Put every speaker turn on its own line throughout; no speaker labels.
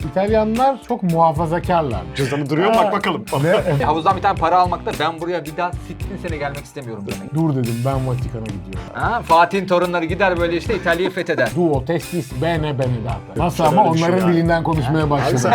İtalyanlar çok muhafazakarlar.
Cüzdanı duruyor mu? Bak bakalım.
Ne?
Havuzdan bir tane para almakta ben buraya bir daha 60 sene gelmek istemiyorum demek.
Dur dedim, ben Vatikan'a gidiyorum.
Ha, Fatih'in torunları gider böyle işte İtalya'yı fetheder.
Duo testis bene data. Nasıl
Şöyle
ama
bir şey
onların
yani.
dilinden konuşmaya başladım.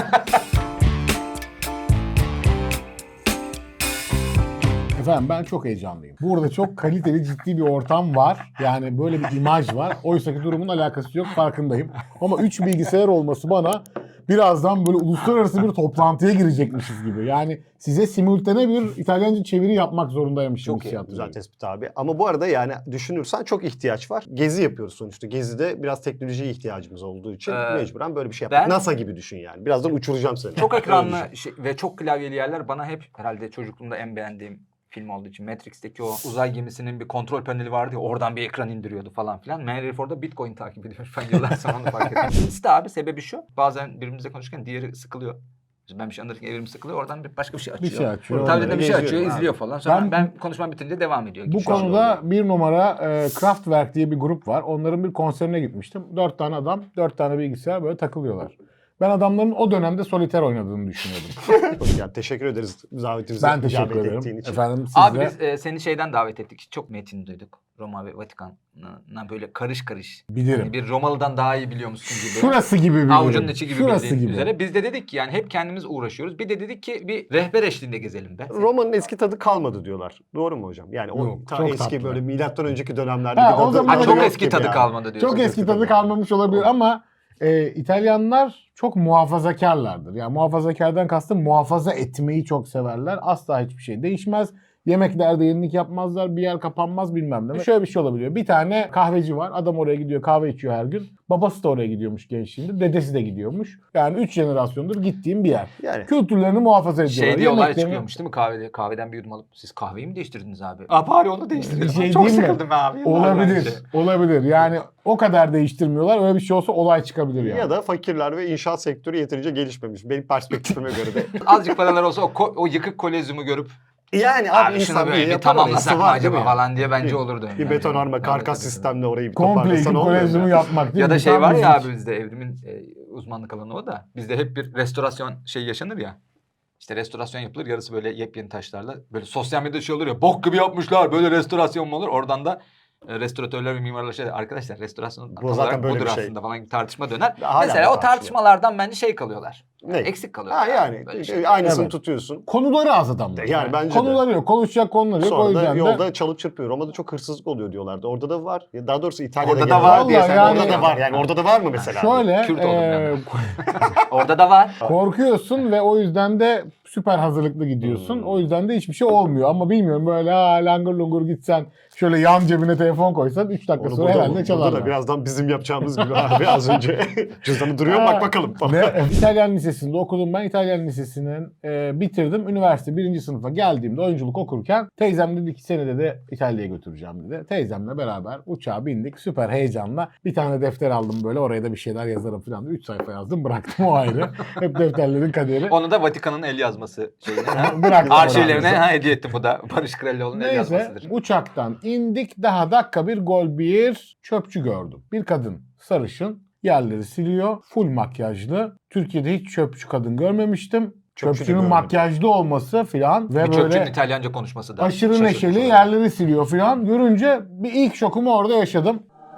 Efendim ben çok heyecanlıyım. Burada çok kaliteli, ciddi bir ortam var. Yani böyle bir imaj var. Oysa ki durumun alakası yok, farkındayım. Ama 3 bilgisayar olması bana birazdan böyle uluslararası bir toplantıya girecekmişiz gibi. Yani size simultane bir İtalyanca çeviri yapmak zorundaymışım.
Çok iyi, güzel tespit abi. Ama bu arada yani düşünürsen çok ihtiyaç var. Gezi yapıyoruz sonuçta. Gezide biraz teknolojiye ihtiyacımız olduğu için mecburen böyle bir şey yaptık.
ben-
NASA gibi düşün yani. Birazdan uçuracağım seni.
Çok
Öyle
ekranlı
düşün.
ve çok klavyeli yerler bana hep herhalde çocukluğumda en beğendiğim film olduğu için Matrix'teki o uzay gemisinin bir kontrol paneli vardı ya oradan bir ekran indiriyordu falan filan. Meğer herif orada Bitcoin takip ediyor. Ben yıllar sonra onu fark ettim. İkisi de abi sebebi şu. Bazen birbirimizle konuşurken diğeri sıkılıyor. Ben bir şey anlatırken evrim sıkılıyor. Oradan bir başka bir şey açıyor.
Bir şey açıyor.
Tablette bir şey
Geziyorum
açıyor,
abi.
izliyor falan. Sonra
Ben-
ben konuşmam bitince devam ediyor.
Bu
Şu an
konuda bir numara Kraftwerk diye bir grup var. Onların bir konserine gitmiştim. 4 tane adam, 4 tane bilgisayar böyle takılıyorlar. Ben adamların o dönemde soliter oynadığını düşünüyordum.
Yani teşekkür ederiz davetimize
Ben teşekkür
icabet
ederim.
ettiğin için.
Efendim siz
Abi
de
biz seni şeyden davet ettik. Çok metin duyduk. Roma ve Vatikan'a böyle karış karış.
bilirim.
Yani bir Romalı'dan daha iyi biliyormuşsun gibi.
Şurası gibi bilirim.
Avucunun içi gibi
Şurası
bildiğin
gibi.
üzere. Biz de dedik ki yani hep kendimiz uğraşıyoruz. Bir de dedik ki bir rehber eşliğinde gezelim be.
Roma'nın eski tadı kalmadı diyorlar. Doğru mu hocam? Yani o
Yok,
ta
çok
eski
tatlı.
böyle milattan önceki dönemlerde
Ha,
bir tadı
o zaman-
Ha, çok
yok
eski
gibi
tadı
yani.
kalmadı diyorsun.
Çok eski tadı kalmamış olabilir ama İtalyanlar çok muhafazakarlardır. Yani muhafazakardan kastım muhafaza etmeyi çok severler. Asla hiçbir şey değişmez. Yemeklerde yenilik yapmazlar. Bir yer kapanmaz bilmem ne. Şöyle bir şey olabiliyor. Bir tane kahveci var. Adam oraya gidiyor kahve içiyor her gün. Babası da oraya gidiyormuş gençliğinde. Dedesi de gidiyormuş. Yani 3 jenerasyondur gittiğim bir yer.
Yani
Kültürlerini muhafaza ediyorlar.
Şey diye olay
Yemeklerini-
çıkıyormuş değil mi kahvede? Kahveden bir yudum alıp siz kahveyi mi değiştirdiniz abi? Bari onu değiştirelim.
Şey
Çok
diyeyim mi?
sıkıldım abi. yıllar
Olabilir.
bence.
Olabilir. Yani o kadar değiştirmiyorlar. Öyle bir şey olsa olay çıkabilir yani.
ya da fakirler ve inşaat sektörü yeterince gelişmemiş. Benim perspektifime göre de.
Azıcık paralar olsa o yıkık kolezyumu görüp
Yani
abi şunu böyle bir
yapar,
tamamlasak
arası
mı
var
acaba
değil mi
falan diye bence
Bir-
olurdu.
Bir
yani.
betonarme karkas
Tabii.
sistemle orayı bir
Komple
toparlasan
iki
olmuyor
kolezyumu
mu?
yapmak değil
Ya
mi?
da şey
Tam
var ya
müzik.
abi bizde evrimin uzmanlık alanı o da. Bizde hep bir restorasyon şey yaşanır ya. İşte restorasyon yapılır yarısı böyle yepyeni taşlarla. Böyle sosyal medyada şey olur ya bok gibi yapmışlar böyle restorasyon mu olur? Oradan da restoratörler ve mimarlar şey der, arkadaşlar restorasyon tam
zaten
olarak
böyle
budur
bir şey.
aslında falan gibi tartışma döner.
Hala
Mesela
da
o
tartışılıyor.
tartışmalardan bence şey kalıyorlar.
Ne?
Eksik kalıyorlar.
Ha yani
Böyle şey.
aynısını
Evet.
tutuyorsun.
Konuları az adamlar.
Yani bence de.
Konuları yok. Konuşacak konuları yok. O
Sonra da
yüzden de
yolda çalıp çırpıyor. Roma'da çok hırsızlık oluyor diyorlardı. Orada da var. Daha doğrusu İtalya'da
Orada da
genel
var
olarak.
diye
Vallahi
sen
yani-
Orada da var. Yani orada da var mı mesela?
şöyle
Kürt oldum ben. Orada da var.
korkuyorsun ve o yüzden de süper hazırlıklı gidiyorsun. O yüzden de hiçbir şey olmuyor. Ama bilmiyorum böyle langır lungur gitsen şöyle yan cebine telefon koysan 3 dakika
Onu
sonra herhalde
burada
çalarlar.
da birazdan bizim yapacağımız gibi abi az önce. Cüzdanı duruyor mu? Bak bakalım.
Ne? İtalyan Lisesi'nde okudum ben. İtalyan Lisesi'nin bitirdim. Üniversite 1. sınıfa geldiğimde oyunculuk okurken teyzem dedi ki seni de İtalya'ya götüreceğim dedi. Teyzemle beraber uçağa bindik. Süper heyecanla. Bir tane defter aldım böyle. Oraya da bir şeyler yazarım falan. 3 sayfa yazdım. Bıraktım o ayrı. Hep defterlerin kaderi.
Onu da Vatikan'ın el yazması şeyine. ha?
Bıraktım.
Arşivlerine
oraya.
hediye ettim bu da. Barış Krallıoğlu'nun el
Neyse
yazmasıdır.
uçaktan indik. Daha dakika bir gol bir çöpçü gördüm. Bir kadın sarışın. Yerleri siliyor. Full makyajlı. Türkiye'de hiç çöpçü kadın görmemiştim.
Çöpçü de
Çöpçünün
görmedim.
makyajlı olması filan ve
Bir çöpçünün
böyle
İtalyanca konuşması da.
aşırı
şaşırtıcı
neşeli
oldu.
yerleri siliyor filan. Görünce bir ilk şokumu orada yaşadım.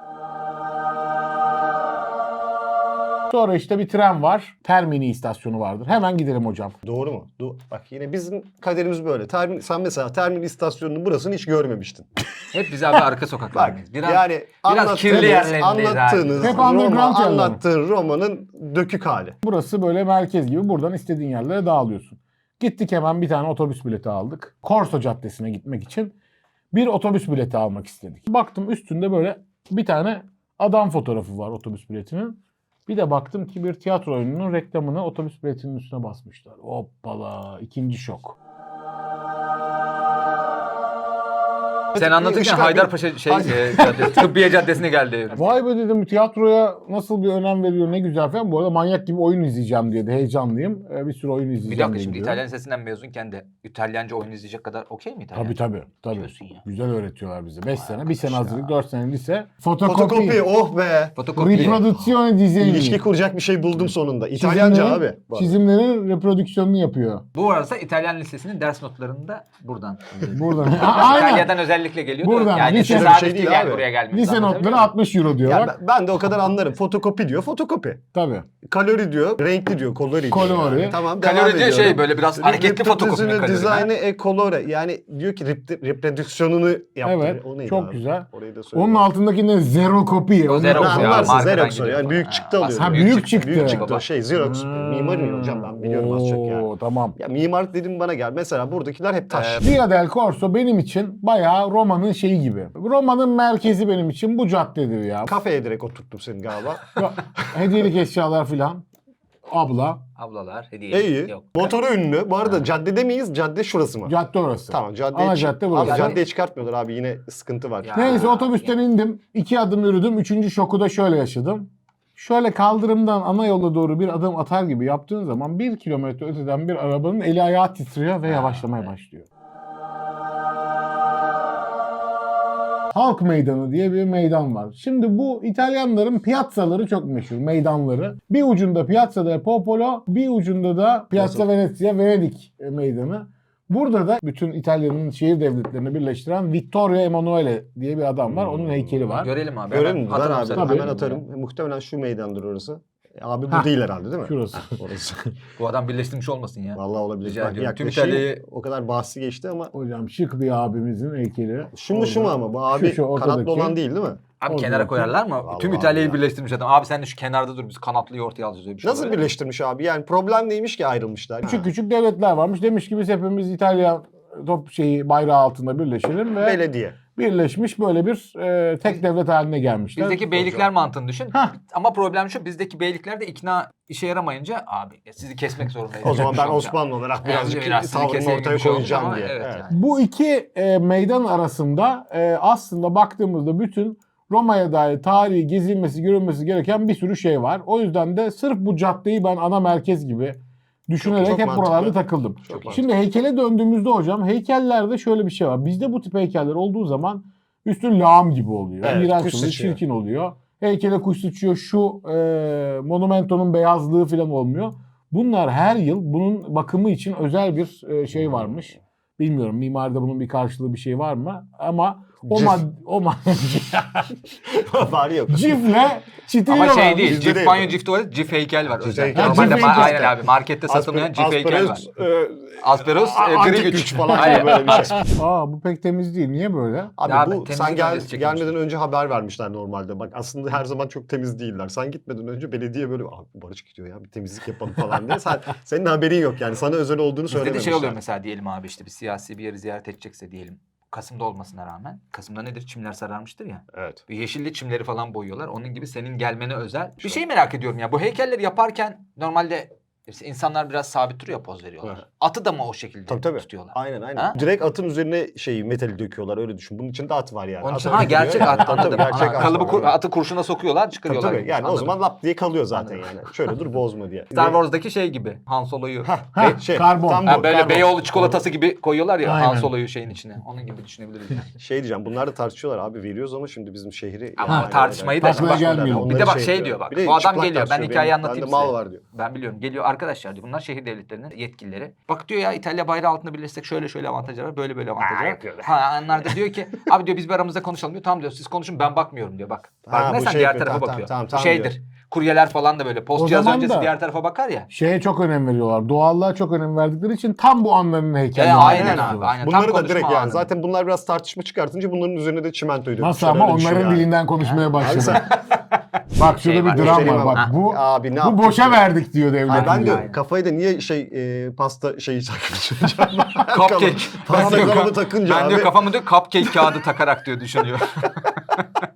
Sonra işte bir tren var. Termini istasyonu vardır. Hemen gidelim hocam.
Doğru mu? Bak yine bizim kaderimiz böyle. Sen mesela Termin istasyonunun burasını hiç görmemiştin.
Hep biz abi arka sokaklardayız. Biraz,
yani
biraz kirli yerlerindeyiz
anlattığınız
Hep
Roma,
underground yerler.
anlattığın Roma'nın dökük hali.
Burası böyle merkez gibi. Buradan istediğin yerlere dağılıyorsun. Gittik hemen bir tane otobüs bileti aldık. Korso Caddesi'ne gitmek için bir otobüs bileti almak istedik. Baktım üstünde böyle bir tane adam fotoğrafı var otobüs biletinin. Bir de baktım ki bir tiyatro oyununun reklamını otobüs biletinin üstüne basmışlar. Hoppala, ikinci şok.
Sen anlatırken Haydarpaşa Tıbbiye Caddesi'ne geldi evrim.
Vay be dedim, tiyatroya nasıl bir önem veriyor, ne güzel falan. Bu arada manyak gibi oyun izleyeceğim diye de heyecanlıyım. Bir sürü oyun izleyeceğim
Bir dakika
diye
şimdi
gidiyorum.
İtalyan Lisesi'nden mezunken de İtalyanca oyun izleyecek kadar okey mi İtalyan?
Tabii.
Diyorsun ya.
Güzel öğretiyorlar bize. 5 sene, 1
arkadaş
sene
ya.
hazırlık, 4 sene lise.
Fotokopi, oh be.
Fotokopi.
Riproduzione disegni.
İlişki kuracak bir şey buldum sonunda. İtalyanca abi.
Çizimlerin reprodüksiyonunu yapıyor.
Bu arada İtalyan Lisesi'nin ders notlarında buradan.
Buradan. Aynen.
İtalya'dan özellikle geliyor.
Buradan.
Yani
Lise-
tesadüf
şey değil
değil yani
abi.
buraya gelmiş.
Lise notları 60 euro diyor.
Ya
bak.
ben de o kadar anlarım. Fotokopi diyor, fotokopi.
Tabii.
Kalori diyor, renkli diyor, kolori diyor.
Kolori.
Yani. Tamam, devam
Kalori diyor
ediyorum.
şey böyle biraz hareketli fotokopi mi kalori?
Dizaynı kolore. Yani diyor ki reprodüksiyonunu yaptı.
Evet.
O neydi
Çok
abi?
güzel.
Orayı da söyle.
Onun altındaki ne? Zero copy.
O Xerox
Ne
ya,
anlarsın
markadan
Xerox o.
gidiyor
Yani büyük
falan.
çıktı alıyor.
Ha, büyük çıktı.
Büyük çıktı
Baba.
o şey Xerox. Mimar mıyım hocam, ben biliyorum az çok ya.
Tamam.
Ya mimarlık dedim bana gel. Mesela buradakiler hep taş.
Via del Corso benim için bayağı Roma'nın şeyi gibi. Roma'nın merkezi benim için bu caddedir ya.
Kafeye direkt oturttum seni galiba.
Hediyelik eşyalar filan. Abla.
Ablalar hediye.
İyi.
Yok.
Motoru ünlü. Bu arada caddede miyiz? Cadde şurası mı?
Cadde orası.
Tamam caddeye
Ana cadde burası.
Abi caddeye çıkartmıyorlar abi, yine sıkıntı var.
Ya.
Neyse otobüsten indim. 2 adım yürüdüm. 3. şoku da şöyle yaşadım. Şöyle kaldırımdan ana yola doğru bir adım atar gibi yaptığın zaman 1 kilometre öteden bir arabanın eli ayağı titriyor ve yavaşlamaya başlıyor. Halk Meydanı diye bir meydan var. Şimdi bu İtalyanların piazzaları çok meşhur, meydanları. Bir ucunda Piazza del Popolo, bir ucunda da Piazza Venezia, Venedik meydanı. Burada da bütün İtalya'nın şehir devletlerini birleştiren Vittorio Emanuele diye bir adam var. Onun heykeli var.
Görelim abi.
Görelim mi?
Hemen
Ver
atalım
abi.
sana.
Tabii.
Hemen atarım. Muhtemelen şu meydandır orası. Abi bu
Hah.
değil herhalde değil mi?
Şurası.
Orası.
Bu adam birleştirmiş olmasın ya.
Vallahi olabilir.
Rica
Bak,
ediyorum. Tüm
yaklaşayım.
İtalya'yı-
O kadar bahsi geçti ama.
Hocam şık bir abimizin heykeli.
Şu mu şu mu ama? Bu abi
Şu
kanatlı
ortadaki.
olan değil mi?
Abi
Orada
kenara
bakayım.
koyarlar mı?
Vallahi
Tüm İtalya'yı
ya.
birleştirmiş adam. Abi sen de şu kenarda dur biz kanatlıyı ortaya alacağız öyle bir şey.
Nasıl
oluyor.
birleştirmiş abi? Yani problem neymiş ki ayrılmışlar?
Küçük küçük devletler varmış. Demiş ki biz hepimiz İtalya top şeyi bayrağı altında birleşelim ve
Belediye.
birleşmiş böyle bir tek devlet haline gelmişler.
Bizdeki beylikler mantığını düşün.
Hah.
Ama problem şu, bizdeki beylikler de ikna işe yaramayınca abi sizi kesmek zorundayız.
O zaman ben
Olacak.
Osmanlı olarak birazcık
biraz sizi
tavrımı
keseyim
ortaya
bir şey olmuş
koyacağım
ama
diye.
evet
Evet.
yani.
Bu iki meydan arasında aslında baktığımızda bütün Roma'ya dair tarihi gezilmesi, görülmesi gereken bir sürü şey var. O yüzden de sırf bu caddeyi ben ana merkez gibi düşünerek
Çok
hep
mantıklı.
buralarda takıldım.
Çok
Şimdi heykele döndüğümüzde hocam, heykellerde şöyle bir şey var. Bizde bu tip heykeller olduğu zaman üstü lağım gibi oluyor.
Evet,
İğrenç
kuş
oluyor,
sıçıyor.
çirkin oluyor. Heykele kuş sıçıyor, şu monumentonun beyazlığı falan olmuyor. Bunlar her yıl bunun bakımı için özel bir şey varmış. Bilmiyorum mimaride bunun bir karşılığı bir şey var mı? Ama
Cif.
o
Bari yok.
cifle çitiliyorlar.
Ama şey değil.
Bizde
Cif
değil
banyo,
bu.
cif tuvalet, cif heykel var.
Cif
özel.
heykel.
Normalde
Ha, cif heykel.
aynen abi markette satılmayan cif heykel var. Asperos,
antik
gri
güç
güç
falan
Aynen.
böyle bir şey.
Aa bu pek temiz değil. Niye böyle?
Abi
Ya
bu
temizlik
sen
öncesi çekilmiş.
gelmeden önce haber vermişler normalde. Bak aslında her zaman çok temiz değiller. Sen gitmeden önce belediye böyle abi Barış gidiyor ya bir temizlik yapalım falan diye. Senin haberin yok yani. Sana özel olduğunu
Bizde de
söylememişler.
şey oluyor mesela diyelim abi işte bir siyasi bir yeri ziyaret edecekse diyelim. Kasım'da olmasına rağmen. Kasım'da nedir? Çimler sararmıştır ya.
Evet.
Bir yeşilli çimleri falan boyuyorlar. Onun gibi senin gelmene özel. Bir şey merak ediyorum ya. Bu heykelleri yaparken normalde işte insanlar biraz sabit duruyor, poz veriyorlar.
Evet.
Atı da mı o şekilde
Tabii.
tutuyorlar?
Aynen aynen.
Ha?
Direkt atın üzerine metali döküyorlar öyle düşün. Bunun içinde at var yani.
Onun için
At öyle
gerçek
duruyor.
at
Tabii,
anladım.
gerçek
Ana,
at
kalıbı
var.
atı kurşuna sokuyorlar,
Tabii,
çıkarıyorlar.
tabii.
gibi.
Yani o
Anladım.
zaman lap diye kalıyor zaten
Anladım.
yani. Şöyle dur bozma diye.
Star Wars'daki şey gibi. Han Solo'yu
Ha, karbon.
tam
ha,
bu,
böyle
karbon.
Beyoğlu çikolatası gibi koyuyorlar ya
Aynen.
Han Solo'yu şeyin içine. Onun gibi düşünebiliriz yani.
Şey diyeceğim bunlar da tartışıyorlar abi veriyoruz ama şimdi bizim şehri.
Ama
yani-
tartışmayı da
Tartışmaya
şimdi bak,
gelmeyelim.
bir de bak şey diyor bak.
Bir de
Bu adam
çıplak
geliyor. Ben
tartışıyor.
hikayeyi
Benim-
anlatayım
bende
size.
mal var diyor.
Ben biliyorum. Geliyor arkadaşlar diyor. Bunlar şehir devletlerinin yetkilileri. Bak diyor ya İtalya bayrağı altında birleşsek şöyle şöyle avantajlar var. Böyle böyle avantajlar var.
yapıyorlar.
Ha onlar da diyor ki abi diyor biz bir aramızda konuşalım diyor. Tamam diyor siz konuşun ben bakmıyorum diyor bak.
Ha,
Farkındaysan
bu şey
diğer
yapıyor.
tarafa
Tamam,
bakıyor.
tamam,
Bu
tamam
şeydir.
diyor.
Kuryeler falan da böyle post
O
cihaz
zaman
öncesi
da-
diğer tarafa bakar ya.
Şeye çok önem veriyorlar. Doğallığa çok önem verdikleri için tam bu anların heykelleri.
Aynen abi aynen.
Bunları
Tam
da direkt
konuşma
yani
anı.
zaten bunlar biraz tartışma çıkartınca bunların üzerine de çimentoyu
Nasıl
dökmüşler,
ama
öyle düşün
onların
yani.
dilinden konuşmaya
Abi
başladı.
sen-
Bak şurada
Şey
bir
var,
dram
göstereyim
var.
ama.
Bak bu
Abi ne
bu
yaptık
boşa
ya?
verdik diyor devlet.
Ay ben
diyor.
de kafayı da niye pasta şeyi takmışım.
Cupcake.
Pasta
Ben diyor,
kalıbı takınca
ben
abi.
diyor kafamı diyor cupcake kağıdı takarak diyor düşünüyor.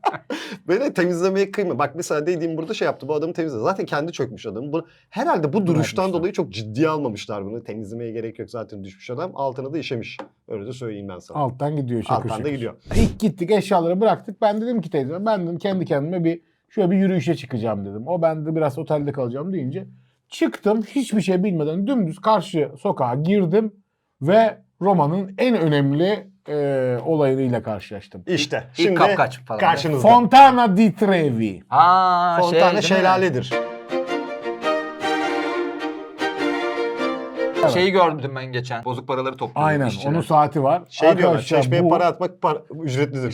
Böyle temizlemeye kıyma. Bak mesela dediğim burada şey yaptı. Bu adamı temizledi. Zaten kendi çökmüş adam. Herhalde bu duruştan
Bırakmışlar.
dolayı çok ciddiye almamışlar bunu. Temizlemeye gerek yok, zaten düşmüş adam. Altına da işemiş. Öyle de söyleyeyim ben sana.
Alttan gidiyor şakır
Alttan da
şakır.
gidiyor.
İlk gittik, eşyaları bıraktık. Ben dedim ki teyze, ben dedim kendi kendime şöyle bir yürüyüşe çıkacağım dedim. O ben de biraz otelde kalacağım deyince çıktım, hiçbir şey bilmeden dümdüz karşı sokağa girdim ve Roma'nın en önemli olayıyla karşılaştım.
İşte.
İlk
Şimdi
kapkaç falan.
karşınızda.
Fontana di Trevi.
Ha
Fontana
değil mi?
şelaledir.
Şeyi gördüm ben geçen. Bozuk paraları topluyor.
Aynen,
işçiler.
onun saati var.
Şey diyorlar,
Arkadaşlar,
çeşmeye
bu-
para atmak ücretlidir.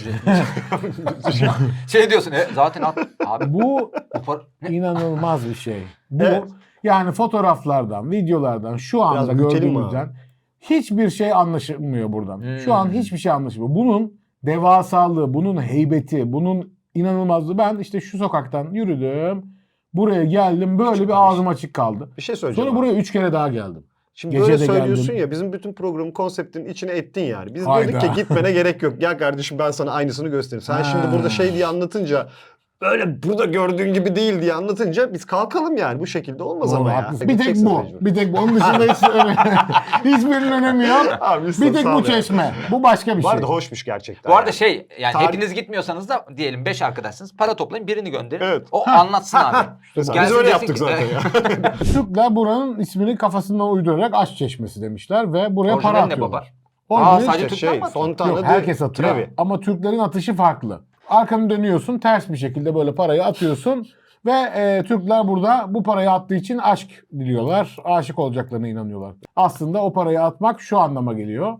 Şey diyorsun zaten abi
Bu
bu para... Ne?
inanılmaz bir şey. Bu
Evet.
yani fotoğraflardan, videolardan şu anda
Biraz büyütelim mi
gördüğümüzden hiçbir şey anlaşılmıyor buradan. Şu an
Hmm.
hiçbir şey anlaşılmıyor. Bunun devasalığı, bunun heybeti, bunun inanılmazlığı. Ben işte şu sokaktan yürüdüm. Buraya geldim. Böyle bir ağzım açık kaldı.
Bir şey söyleyeceğim.
Sonra
abi.
buraya 3 kere daha geldim.
Şimdi
Gece
böyle
de
söylüyorsun
geldim.
ya, bizim bütün programın konseptinin içine ettin yani. Biz
Hayda.
dedik ki gitmene gerek yok. Gel kardeşim ben sana aynısını göstereyim. Sen
Ha.
şimdi burada şey diye anlatınca, böyle burada gördüğün gibi değil diye anlatınca biz kalkalım yani. Bu şekilde olmaz
Doğru,
ama ya.
haklısın. Bir tek
Gideceksin
bu.
mecbur.
Bir tek bu. Onun dışında hiçbirinin önemi yok.
Abi,
Bir tek
sağ
bu
ol ya.
çeşme. Bu başka bir
Bu
şey.
arada hoşmuş gerçekten.
Bu arada
yani.
şey yani
Tarih-
hepiniz gitmiyorsanız da diyelim 5 arkadaşsınız para toplayın birini gönderin.
Evet.
O anlatsın abi.
Mesela
Gelsin
biz öyle
desin
yaptık
ki-
zaten ya.
Türkler buranın ismini kafasından uydurarak aşk çeşmesi demişler ve buraya para
Orijinali ne
atıyorlar.
baba?
Orijinali-
sadece Türkler mi atıyor?
Fontana
Yok,
di
herkes atıyor.
Trevi.
Ama Türklerin atışı farklı. Arkanı dönüyorsun, ters bir şekilde böyle parayı atıyorsun ve Türkler burada bu parayı attığı için aşk diliyorlar. Aşık olacaklarına inanıyorlar. Aslında o parayı atmak şu anlama geliyor.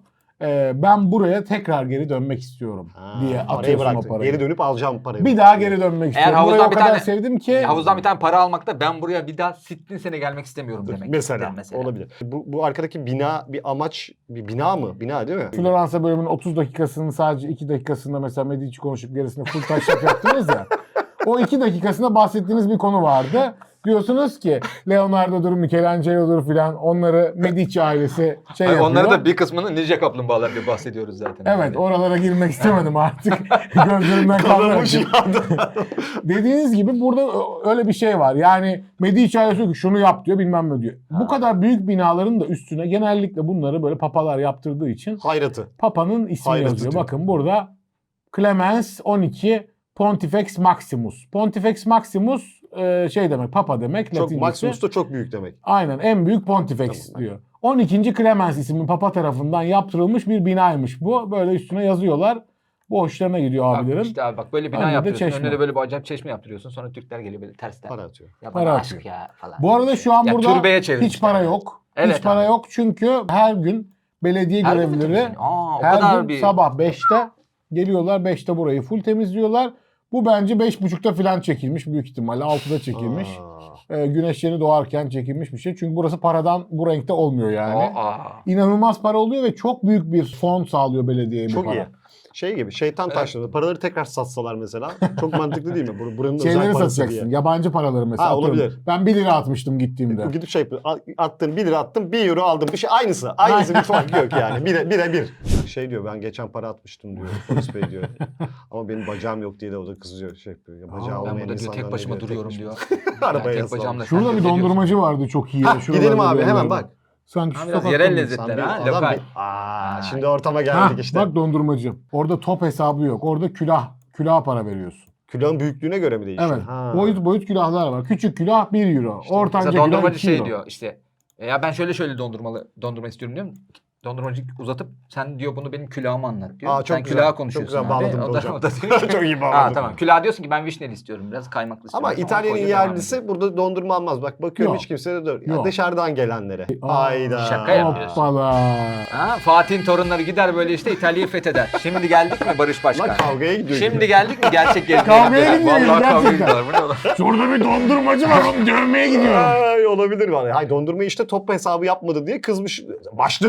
Ben buraya tekrar geri dönmek istiyorum diye
Parayı
atıyorsun o
bıraktın.
parayı.
Geri dönüp alacağım parayı.
Bir daha geri dönmek
Eğer
istiyorum. Burayı
havuzdan
o
bir
kadar
tane-
sevdim ki
Havuzdan bir tane para almakta ben buraya bir daha sittin sene gelmek istemiyorum demek.
Mesela,
mesela.
olabilir. Bu arkadaki bina bir amaç, bir bina mı? Bina değil mi?
Floransa bölümünün 30 dakikasının sadece 2 dakikasında mesela Medici konuşup gerisinde full taşlak yaptınız ya. O 2 dakikasında bahsettiğiniz bir konu vardı. Diyorsunuz ki Leonardo'dur, Michelangelo'dur filan onları Medici ailesi şey yapıyor.
Onları da bir kısmını Ninja Kaplumbağalar diye bahsediyoruz zaten.
Evet, oralara girmek istemedim artık. Gözlerimden
Kanamış
kalmadı.
yağdı.
Dediğiniz gibi burada öyle bir şey var. Yani Medici ailesi diyor ki şunu yap diyor, bilmem ne diyor. Bu kadar büyük binaların da üstüne genellikle bunları böyle papalar yaptırdığı için
Hayratı.
Papa'nın ismi
Hayretli
yazıyor.
diyor.
Bakın burada Clemens 12 Pontifex Maximus. Pontifex Maximus şey demek, Papa demek.
Çok
Latincesi.
Maximus da çok büyük demek.
Aynen, en büyük Pontifex
Tamam.
diyor. 12. Clemens isimli Papa tarafından yaptırılmış bir binaymış bu. Böyle üstüne yazıyorlar. Bu hoşlarına gidiyor
Bak
abilerin.
işte abi bak böyle bina
Önünde
yapıyorsun.
çeşme.
Önüne de böyle bir acayip çeşme yaptırıyorsun. Sonra Türkler geliyor böyle tersten.
Para atıyor.
Ya
Para
bana
atıyor.
aşk ya falan.
Bu arada şu an
Ya
burada
türbeye
hiç
çevirmişler
para
yani.
yok.
Evet
hiç para
abi.
yok çünkü her gün belediye
Her gün mü
görevlileri
temizleniyor? Aa, o
her
kadar
gün
bir...
sabah 5'te geliyorlar. 5'te burayı full temizliyorlar. Bu bence 5.30'da falan çekilmiş büyük ihtimalle. 6'da çekilmiş. Güneş yeni doğarken çekilmiş bir şey. Çünkü burası paradan bu renkte olmuyor yani. İnanılmaz para oluyor ve çok büyük bir fon sağlıyor belediyeye bu
Çok
para.
iyi. Şey gibi, şeytan taşları. Paraları tekrar satsalar mesela. Çok mantıklı değil mi? Buranın
Şeyleri
özel parası
satacaksın.
diye.
Yabancı paraları mesela.
Ha,
Atıyorum.
olabilir.
Ben 1 lira atmıştım gittiğimde.
Gidip şey yapıyor. Attın 1 lira attım, 1 euro aldım. Bir şey aynısı. Aynısı bir fark yok yani. Bire. Şey diyor, ben geçen para atmıştım diyor. Polis bey diyor. Ama benim bacağım yok diye de o da kızıyor. Şey yapıyor. Ya, bacağı
Ben
olmayan
burada diyor
insanlar
tek
ne
başıma
diyor,
duruyorum
tek
diyor.
başıma. Arabaya
tek
yaslanmış.
bacağımla
Şurada
sen
bir
de diyorsun.
dondurmacı vardı çok iyi.
Hah,
Şuralarda
gidelim abi
bir
hemen
yerlerde.
bak.
Sanki
Ha,
şu
biraz
sokakta
yerel
mı?
lezzetler
Sen bir
ha.
adam
Lokal.
şimdi ortama
Ha,
geldik işte.
bak dondurmacı. Orada top hesabı yok. Orada külah para veriyorsun.
Külahın büyüklüğüne göre mi değişiyor?
Evet.
Ha.
Boyut külahlar var. Küçük külah 1 euro.
İşte
Ortanca
Mesela
külah
dondurmacı
2
şey
euro.
diyor işte. Ya ben şöyle dondurma istiyorum diyorum. Dondurmacı uzatıp sen diyor bunu benim külahıma anlat diyor.
Aa, çok
sen
güzel.
külaha
Çok
konuşuyorsun
güzel
abi.
bağladın
O da,
hocam.
o da diyor ki,
Çok iyi
ha
bağladın.
tamam. Külah diyorsun ki ben vişneli istiyorum biraz kaymaklı istiyorum.
Ama
Sonra
İtalya'nın
koyuyor, devam ediyor.
yerlisi burada dondurma almaz. Bak bakıyorum
Yok.
hiç kimse de dört.
Yok.
Dışarıdan gelenlere.
Aa,
Hayda.
şaka yapıyorsun.
Hoppala.
Ha, Fatih'in torunları gider böyle işte İtalya'yı fetheder. Şimdi geldik mi Barış Başkan?
Lan kavgaya gidiyor.
Şimdi geldik mi gerçek gezmeye?
Kavgaya gidiyoruz
Vallahi kavgaya
gerçekten.
gidiyorlar. Bu ne lan?
Şurada bir dondurmacı var, onu dövmeye gidiyorum.
Ay, olabilir var. Hay dondurma işte top hesabı yapmadı diye kızmış. Başlarım diyor.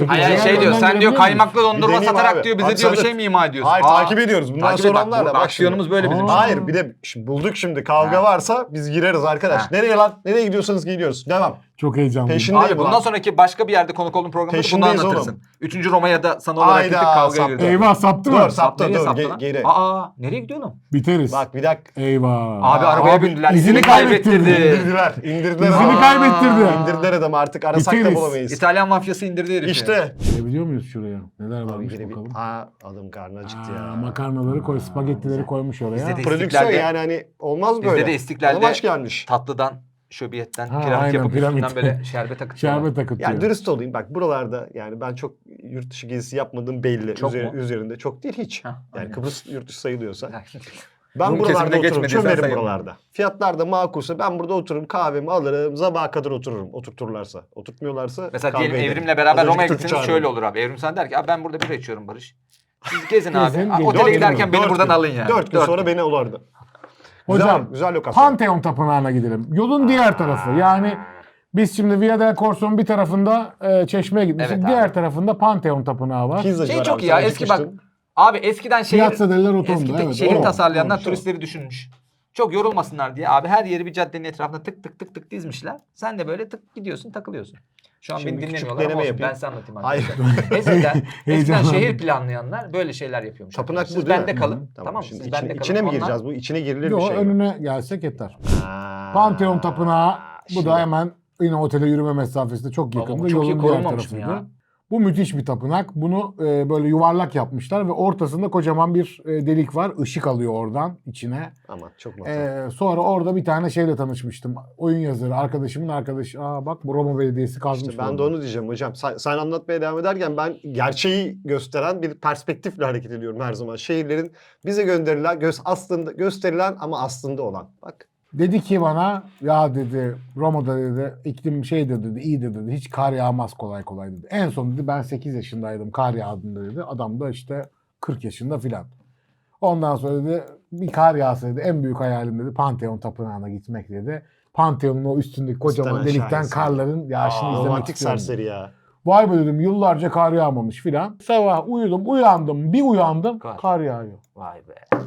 Hayır
Diğer
şey diyor
yönden
sen diyor
girebiliyor
kaymaklı
Bir
dondurma
deneyeyim
satarak
abi.
diyor bize
Bak
diyor bir
sen de-
şey mi ima ediyorsun?
Hayır takip ediyoruz. Bundan
Takip et,
sonra
bak,
onlarla.
bu
Bak
aksiyonumuz
şimdi.
böyle bizim.
Aa.
Hayır bir de şimdi bulduk şimdi kavga
Ha.
varsa biz gireriz arkadaş.
Ha.
Nereye lan? Nereye gidiyorsanız gidiyoruz. Devam.
Çok heyecanlıyım.
Peşin-
Abi
Değil
bundan
ulan.
sonraki başka bir yerde konuk olduğun programda bunu
Peşindeyiz
anlatırsın.
oğlum.
3. Roma'ya da sana olarak
Hayda,
gittik kavgaya
saptı.
girdik.
Eyvah saptı mı?
Dur saptı
Nereye
dur
saptı lan?
geri.
Aa nereye gidiyor oğlum?
Biteriz.
Bak bir dakika.
Eyvah.
Abi arabaya
Abi,
bindiler.
izini
İzini
kaybettirdi.
kaybettirdi.
İndirdiler
İzini
adamı.
kaybettirdi.
İndirdiler adamı artık arasak da
Biteriz.
bulamayız.
İtalyan mafyası indirdi herifi.
İşte.
Girebiliyor muyuz şuraya? Neler
Abi
varmış
yine bir
bakalım.
adam karnı acıktı
Aa,
ya.
makarnaları koy, spagettileri koymuş oraya.
Bizde de
Prodüksiyon
İstiklal'de-
yani hani olmaz
Bizde
böyle.
de İstiklal'de-
Bana baş gelmiş.
Tatlıdan, şöbiyetten,
Ha,
piramit
aynen,
yapıp
piramit.
üstünden böyle şerbet akıtıyorlar.
Şerbet akıtıyor.
Yani dürüst olayım bak buralarda yani ben çok yurt dışı gezisi yapmadığım belli.
Çok mu?
Üzerinde çok değil hiç.
Hah,
Yani
aynen.
Kıbrıs yurt dışı sayılıyorsa.
Rum
Ben buralarda
kesimine
otururum,
geçmediysen
çömerim
sayılmaz.
buralarda. Fiyatlar da makulse ben burada otururum, kahvemi alırım, sabaha kadar otururum. Oturturlarsa. Oturtmuyorlarsa
Mesela
kavga
diyelim
ederim.
Evrim'le
Az
beraber
önce
Roma'ya
Türk'ü
gittiniz
çağırdım.
şöyle olur abi. Evrim sen der ki abi ben burada bira içiyorum Barış. Siz gezin abi.
Gezin,
Aa,
gezin.
Otele
Dört
giderken
gün,
beni
Dört
buradan
gün.
alın yani.
4 gün sonra beni olurdu.
Hocam,
Güzel, güzel lokasyon.
Pantheon Tapınağı'na gidelim. Yolun diğer tarafı. Yani biz şimdi Via del Corso'nun bir tarafında Çeşme'ye gitmiştik.
Evet abi.
diğer tarafında Pantheon Tapınağı var.
Pizzacı
Şey
var
çok
abi,
iyi ya
sen
eski bak.
gitmiştin.
Abi eskiden
Piazza della Rotonda,
eski
evet,
şehir
doğru.
tasarlayanlar
Doğru,
turistleri düşünmüş. Çok yorulmasınlar diye abi her yeri bir caddenin etrafına tık tık tık tık dizmişler. Sen de böyle tık gidiyorsun takılıyorsun. Şu an
Şimdi
beni
bir küçük
dinlemiyorlar ama
deneme
olsun,
yapayım.
ben size anlatayım
Hayır.
arkadaşlar. eskiden
Heyecanlandım.
şehir planlayanlar böyle şeyler yapıyormuş.
Tapınak
Siz
bu değil
bende
mi?
kalın. Tamam mı?
Şimdi
Siz bende kalın.
içine mi
Onlar-
gireceğiz bu? İçine girilir
Yok,
bir şey mi?
önüne gelsek yeter.
Ha.
Pantheon Tapınağı bu
Şimdi-
da hemen yine otele yürüme mesafesinde çok
Baba,
yakında.
bu çok iyi
Yolun diğer
korunmamış mı
tarafıydı.
ya?
Bu müthiş bir tapınak. Bunu böyle yuvarlak yapmışlar ve ortasında kocaman bir delik var. Işık alıyor oradan içine.
Aman çok matah.
Sonra orada bir tane şeyle tanışmıştım. Oyun yazarı, arkadaşımın arkadaşı. Aa bak bu Roma Belediyesi kazmış.
İşte ben de
bunu.
onu diyeceğim hocam. Sen anlatmaya devam ederken ben gerçeği gösteren bir perspektifle hareket ediyorum her zaman. Şehirlerin bize gönderilen, aslında gösterilen ama aslında olan. Bak.
Dedi ki bana ya dedi Roma'da dedi iklim şeydir dedi iyidir dedi. Hiç kar yağmaz kolay kolay dedi. En son dedi ben 8 yaşındaydım kar yağdığında dedi. Adam da işte 40 yaşında filan. Ondan sonra dedi bir kar yağsa dedi en büyük hayalim dedi Pantheon Tapınağı'na gitmek dedi. Pantheon'un o üstündeki kocaman
İstemez
delikten
şahesi.
karların yağışını izlemek
Romantik
istiyorum.
serseri ya.
Vay be dedim yıllarca kar yağmamış filan. Sabah uyandım bir uyandım
Kar.
kar yağıyor.
Vay be.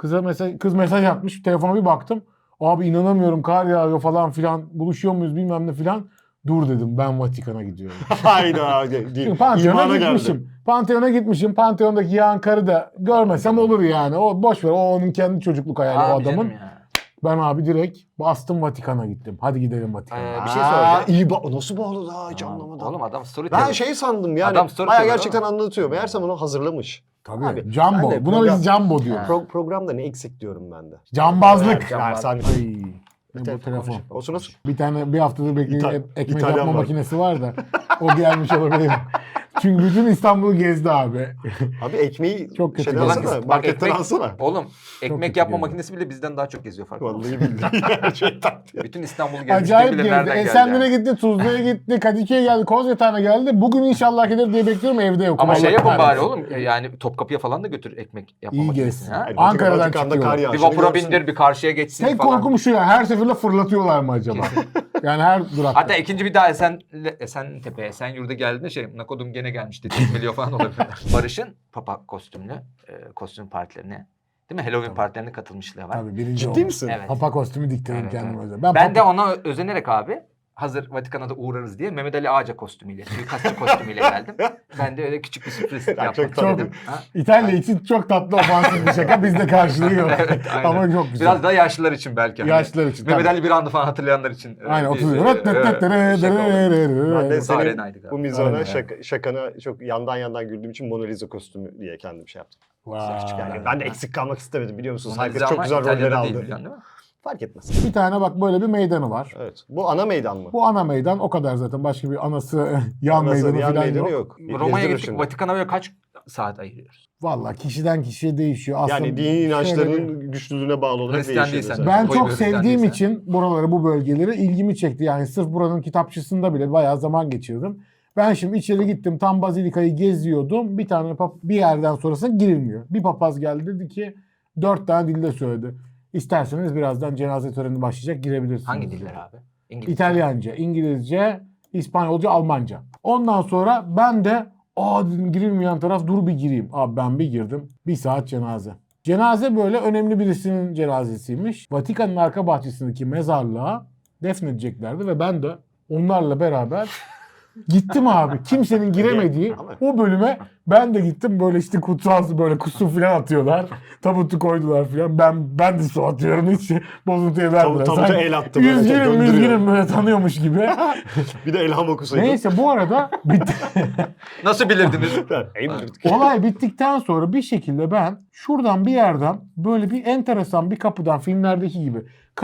Kız mesaj atmış telefona bir baktım. Abi inanamıyorum kar yağıyor falan filan buluşuyor muyuz bilmem ne filan. Dur dedim ben Vatikan'a gidiyorum.
Hayda.
Çünkü Pantheon'a
İmana geldi.
gitmişim. Pantheon'a gitmişim. Pantheon'daki yağan karı da görmesem olur yani. O boş ver. O onun kendi çocukluk hayali o
Abi
adamın.
canım ya.
Ben abi direkt bastım Vatikan'a gittim. Hadi gidelim Vatikan'a.
Bir şey soracağım.
İyi nasıl bağlı daha hiç anlamadım.
Oğlum adam storyteller.
Ben şey sandım yani.
Adam story
Bayağı
teller
gerçekten
ama.
anlatıyor. Meğersem onu hazırlamış.
Tabii.
Abi,
Jumbo.
ben de
Buna
program-
biz Jumbo diyoruz.
Programda ne eksik diyorum ben de.
Cambazlık.
Cambaz.
Ersan.
Ay. Ne bu telefon.
Olsun olsun.
Bir haftadır beklediğim ekmek
İtalyan
yapma
var.
makinesi var da o gelmiş olabilir. Çünkü bütün İstanbul'u gezdi abi.
Abi ekmeği
Çok kötü
şeyden
geldi.
alsana.
Bak
Marketten
ekmek-
alsana.
Oğlum ekmek
kötü
yapma
geldi.
makinesi bile bizden daha çok geziyor farkında mısın?
Vallahi billahi gerçekten.
Bütün İstanbul'u gezmiş.
Acayip
kim bilir
gezdi.
nereden geldi
Esenler'e
yani.
gitti, Tuzla'ya gitti, Kadıköy'e geldi, Kozyatağı'na geldi. Bugün inşallah gelir diye bekliyorum evde yok.
Ama
Allah
şey yapın bari
kahretsin.
oğlum yani Topkapı'ya falan da götür ekmek yapma
İyi
makinesini.
gezsin.
Ha?
Yani
Ankara'dan
Vatikan'da
çıkıyor.
kar
Bir
yağışını
vapura
görsün.
bindir bir karşıya geçsin
Tek
falan.
korkum şu ya her seferinde fırlatıyorlar mı acaba? Yani her durakta.
Hatta ikinci bir daha Esentepe, Esenyurt'a geldiğinde Nakodum gene gelmiş dedi. Milyon falan olabilir. Barış'ın papa kostümlü kostüm partilerine değil mi? Halloween partilerine katılmışlığı var.
Tabii birinci
Ciddi
oldu.
misin?
Evet.
Papa kostümü diktirdim
Evet,
kendime
evet.
özel.
Ben de ona özenerek abi hazır Vatikan'a da uğrarız diye Mehmet Ali Ağaca kostümüyle, suikastçı kostümüyle geldim. Ben de öyle küçük bir sürpriz yapmak
çok tatlı.
istedim. Ha?
İtalya için çok tatlı ofansif bir şaka. Bizde karşılığı yok.
Evet, aynen.
Ama çok güzel.
Biraz daha yaşlılar için belki. hani.
Yaşlılar için.
Mehmet
tabii.
Ali Birand'ı falan hatırlayanlar için.
Aynen
bir,
30
şey oldu.
Ben de
Mutlu
senin
arenaydı galiba.
bu mizana
Aynen.
şakana çok yandan güldüğüm için Mona Lisa kostümü diye kendim şey yaptım.
Vay.
Küçük yani. Ben de eksik kalmak istemedim biliyor musunuz?
Mona
Herkes
Lisa
çok
ama
güzel roller
İtalya'da
aldı.
değil, biliyorsun değil mi?
Fark etmez.
Bir tane bak böyle bir meydanı var.
Evet. Bu ana meydan mı?
Bu ana meydan o kadar zaten. Başka bir anası yan
Nasıl,
meydanı
yan
falan
meydanı
yok.
Roma'ya
Gezdirir
gittik.
şimdi.
Vatikan'a böyle kaç saat ayırıyoruz?
Valla kişiden kişiye değişiyor. Aslında
Yani dini
şöyle bir-
inançlarının güçlülüğüne bağlı olarak
Hristiyan
değişiyor.
değilsen.
mesela.
Ben
Koy
çok
bir
sevdiğim
tane
için buraları, bu bölgeleri ilgimi çekti. Yani sırf buranın kitapçısında bile bayağı zaman geçirdim. Ben şimdi içeri gittim, tam Bazilika'yı geziyordum. Bir tane bir yerden sonrasına girilmiyor. Bir papaz geldi dedi ki 4 tane dilde söyledi. İsterseniz birazdan cenaze töreni başlayacak, girebilirsiniz.
Hangi diller abi? İngilizce.
İtalyanca, İngilizce, İspanyolca, Almanca. Ondan sonra ben de dedim gireyim yan taraf, dur bir gireyim. Abi ben bir girdim. 1 saat cenaze. Cenaze böyle önemli birisinin cenazesiymiş. Vatikan'ın arka bahçesindeki mezarlığa defnedeceklerdi ve ben de onlarla beraber gittim abi. Kimsenin giremediği o bölüme ben de gittim. Böyle işte kutsal böyle kusu falan atıyorlar. Tabutu koydular falan. Ben de su atıyorum. Hiç bozuntuya vermiyorlar.
Tabuta
Sanki
el attı böyle, döndürüyor.
Üzgünüm böyle tanıyormuş gibi.
Bir de elham okusaydın.
Neyse bu arada bitti.
Nasıl bilirdiniz?
Olay bittikten sonra bir şekilde ben şuradan bir yerden böyle bir enteresan bir kapıdan, filmlerdeki gibi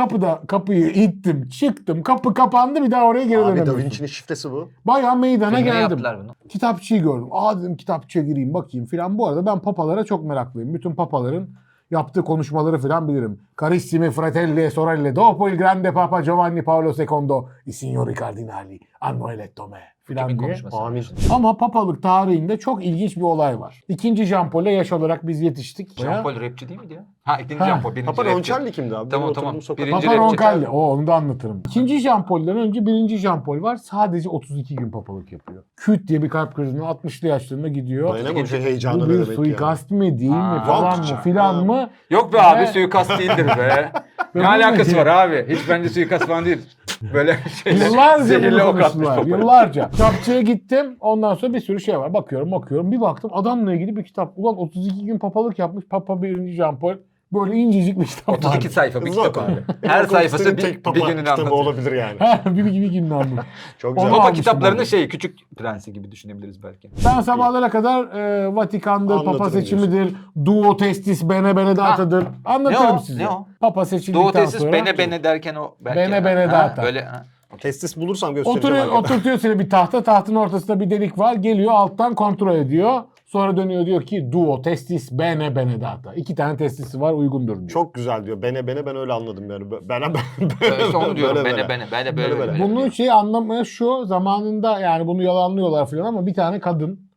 kapıyı ittim, çıktım, kapı kapandı, bir daha oraya geri
Abi Da
dönemiyorsun.
Vinci'nin şifresi bu.
Bayağı meydana
Filmde
geldim.
yaptılar bunu.
Kitapçıyı gördüm. Dedim kitapçıya gireyim bakayım filan. Bu arada ben papalara çok meraklıyım. Bütün papaların yaptığı konuşmaları filan bilirim. Carissimi fratelli sorelle dopo il grande papa Giovanni Paolo II i signori cardinali hanno eletto me filan
Kimin
diye.
konuşması?
Amin.
Ama papalık tarihinde çok ilginç bir olay var. İkinci Jean Paul'e yaş olarak biz yetiştik.
Jean Paul rapçi değil miydi ya? Ha ikinci
Ha.
Jean Paul. Birinci
Papa
rapçi.
Roncelli kimdi abi?
Tamam,
Benim
tamam.
oturduğum sokak-
Birinci
Papa
rapçi.
Roncalli. Onu da anlatırım. İkinci Jean Paul'den önce birinci Jean Paul var. Sadece 32 gün papalık yapıyor. Küt diye bir kalp krizine 60'lı yaşlarında gidiyor.
Dayanamamış heyecanı
Bu
ne
bir
demek ya.
suikast mı değil mi
Ha.
falan mı
Vampirça.
filan
Ha.
mı?
Yok be abi
Ve-
suikast değildir be.
Ve
Ne
bu
alakası
ne?
var abi? Hiç bence suikast falan değil. Böyle şeyler.
Yıllarca
Zehirli
bunu
ok atmış
konuştular.
papaya.
Yıllarca. Kitapçıya gittim. Ondan sonra bir sürü şey var. Bakıyorum. Bir baktım adamla ilgili bir kitap. Ulan 32 gün papalık yapmış. Papa 1. Jean Paul. Böyle incecik bir kitap var.
32 sayfa bir
Hızlı
kitap
oku.
abi. Her sayfası
tek
bir
papa
gününü
kitabı
anlatıyor.
olabilir yani.
bir gününü anladım.
Çok
Onu
güzel.
Papa
almıştım
kitaplarının
onu.
şeyi küçük prensi gibi düşünebiliriz belki.
Ben sabahlara kadar Vatikan'dır,
Anlatırım
Papa seçimidir, Duo Testis Bene Benedata'dır. Anlatırım
Ne o?
size.
Ne o?
Papa seçildikten
Doğu tesis
sonra.
bene derken o belki.
Bene bene
Ha,
data.
Böyle ha.
Testis bulursam göstereceğim.
Oturtuyor seni bir tahta. Tahtın ortasında bir delik var. Geliyor alttan kontrol ediyor. Sonra dönüyor diyor ki Duo Testis Bene Benedata. 2 tane testisi var, uygundur diyor.
Çok güzel diyor. Ben öyle anladım yani. Ben
İşte onu diyorum
böyle.
bene
Böyle.
böyle.
Bunun şeyi anlamaya şu zamanında, yani bunu yalanlıyorlar falan ama bir tane kadın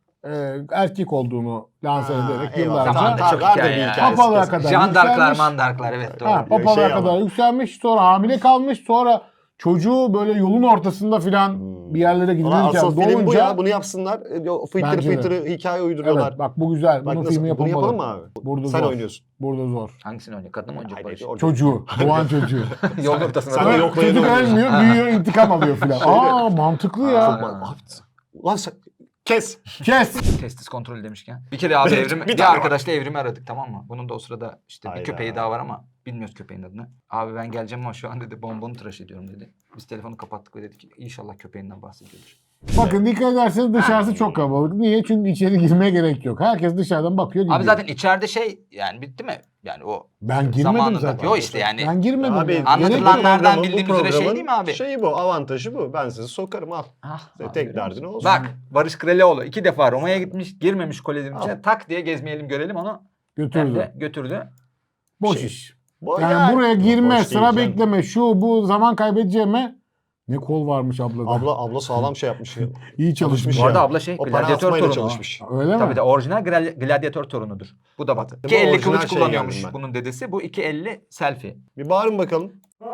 erkek olduğunu lanse ederek
Zamanında
yıllarca
çok
vardır
hikaye
bir
ya.
hikayesi
papalığa
kesin.
kadar
Jandarklar
yükselmiş.
mandarklar evet doğru.
Ha, papalığa
Şey
kadar
ama.
yükselmiş, sonra hamile kalmış, sonra çocuğu böyle yolun ortasında filan bir yerlere
Ulan
gidilirken
asıl film bu
doğunca...
ya. Bunu yapsınlar.
Bence de.
Fıtırı hikaye uyduruyorlar.
Evet bak bu güzel.
Bak
Bunun
nasıl,
filmi
bunu
yapılmalı.
yapalım mı abi?
Burada
Sen
zor.
oynuyorsun.
Burada zor.
Hangisini oynuyor? Kadın mı oynayacak Barış?
Çocuğu. Doğan çocuğu.
Yol ortasında.
Sen de
böyle-
yok.
Çocuk ölmüyor, büyüyor, intikam alıyor filan. Mantıklı ya.
Ha.
Ulan sen... Kes.
Kes.
Testis kontrolü demişken. Bir kere abi
Bir
bir
tane var.
arkadaşla evrimi aradık tamam mı? Bunun da o sırada işte bir
Hayda.
köpeği daha var ama bilmiyoruz köpeğin adını. Abi ben geleceğim ama şu an dedi bonbonu tıraş ediyorum dedi. Biz telefonu kapattık ve dedik ki inşallah köpeğinden bahsediyordur.
Bakın dikkat ederseniz dışarısı çok kalabalık. Niye? Çünkü içeri girmeye gerek yok. Herkes dışarıdan bakıyor gidiyor.
Abi zaten içeride şey yani bitti mi? Yani o
ben girmedim
zamanında.
zaten.
Yok işte yani.
Ben girmedim.
Abi,
ya.
anlatılanlardan
programın- bu
bildiğimiz üzere şey
programın
değil mi abi?
Şeyi bu, avantajı bu. Ben sizi sokarım al.
Ah,
Tek
görüyor
derdin
musun?
olsun.
Bak Barış Kralioğlu 2 defa Roma'ya gitmiş girmemiş kolejin içine tak diye gezmeyelim görelim onu. Hem
Götürdü.
de götürdü.
Boş
Şey-
iş.
Bu
Yani buraya girme,
boş değil
sıra
canım.
bekleme, şu bu zaman kaybedeceğime. Ne kol varmış ablada.
Abla sağlam şey yapmış.
İyi çalışmış.
Bu arada
ya.
abla şey
O para
gladyatör
atmayla
torunu.
çalışmış.
Öyle mi?
Tabii de orijinal gladyatör torunudur. Bu da bak.
Bak,
2.50
orijinal
kılıç
şey
kullanıyormuş
geldim ben.
bunun dedesi. Bu 2.50 selfie.
Bir bağırın bakalım.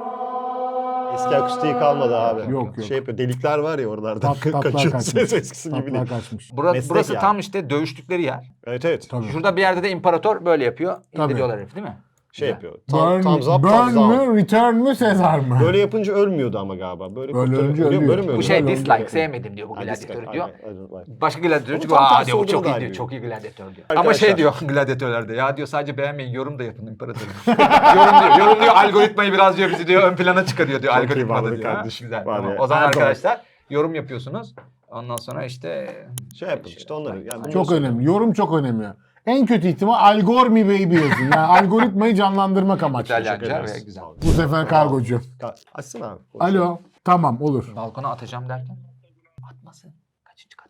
Eski akustiği kalmadı abi.
Yok, yok.
Şey yapıyor. Delikler var ya oralarda.
Tatlar
Kaçıyor.
kaçmış.
Ses eskisi gibi
Tatlar
değil.
kaçmış.
Meslek
Burası
yani.
tam işte dövüştükleri yer.
Evet.
Tabii.
Şurada bir yerde de imparator böyle yapıyor.
Tabii.
İndiriyorlar herif değil mi?
Şey
Güzel.
yapıyor.
Burn,
Thumbs up,
burn
thumbs down.
mü, return mü, Sezar mı?
Böyle yapınca ölmüyordu ama galiba. Böyle
Böyle
kurtarıyor.
ölünce ölüyor.
Böyle mi
Bu
ölüyor?
şey
Öyle
dislike
Öyle.
sevmedim diyor bu
Ha,
gladyatörü
dislike,
diyor.
aynen.
Başka gladyatör diyor
tam
aa
tersi
diyor bu
olduğunu
çok
da
iyi diyor.
biliyor.
Çok iyi gladyatör diyor.
Arkadaşlar.
Ama şey diyor gladyatörlerde ya diyor sadece beğenmeyin yorum da yapın imparatorum. yorum diyor algoritmayı biraz diyor bizi diyor ön plana çıkarıyor diyor
Çok iyi
algoritmada
vardı
diyor. Ha,
kardeşim.
güzel.
Var
Tamam.
ya.
O zaman
Erdoğan.
arkadaşlar yorum yapıyorsunuz. Ondan sonra işte
Şey yapın işte onları. Yani bunları
Çok
söylüyorum.
önemli. Yorum çok önemli. En kötü ihtimal Algormi Baby yazın. Yani algoritmayı canlandırmak amaçlı.
İtalyanca
Teşekkür
ve
ederiz.
güzel.
Sağ olun.
Bu sefer kargocu.
Açsana abi.
Alo. Tamam olur.
Balkona atacağım derken atmasın. Kaçıncı kat?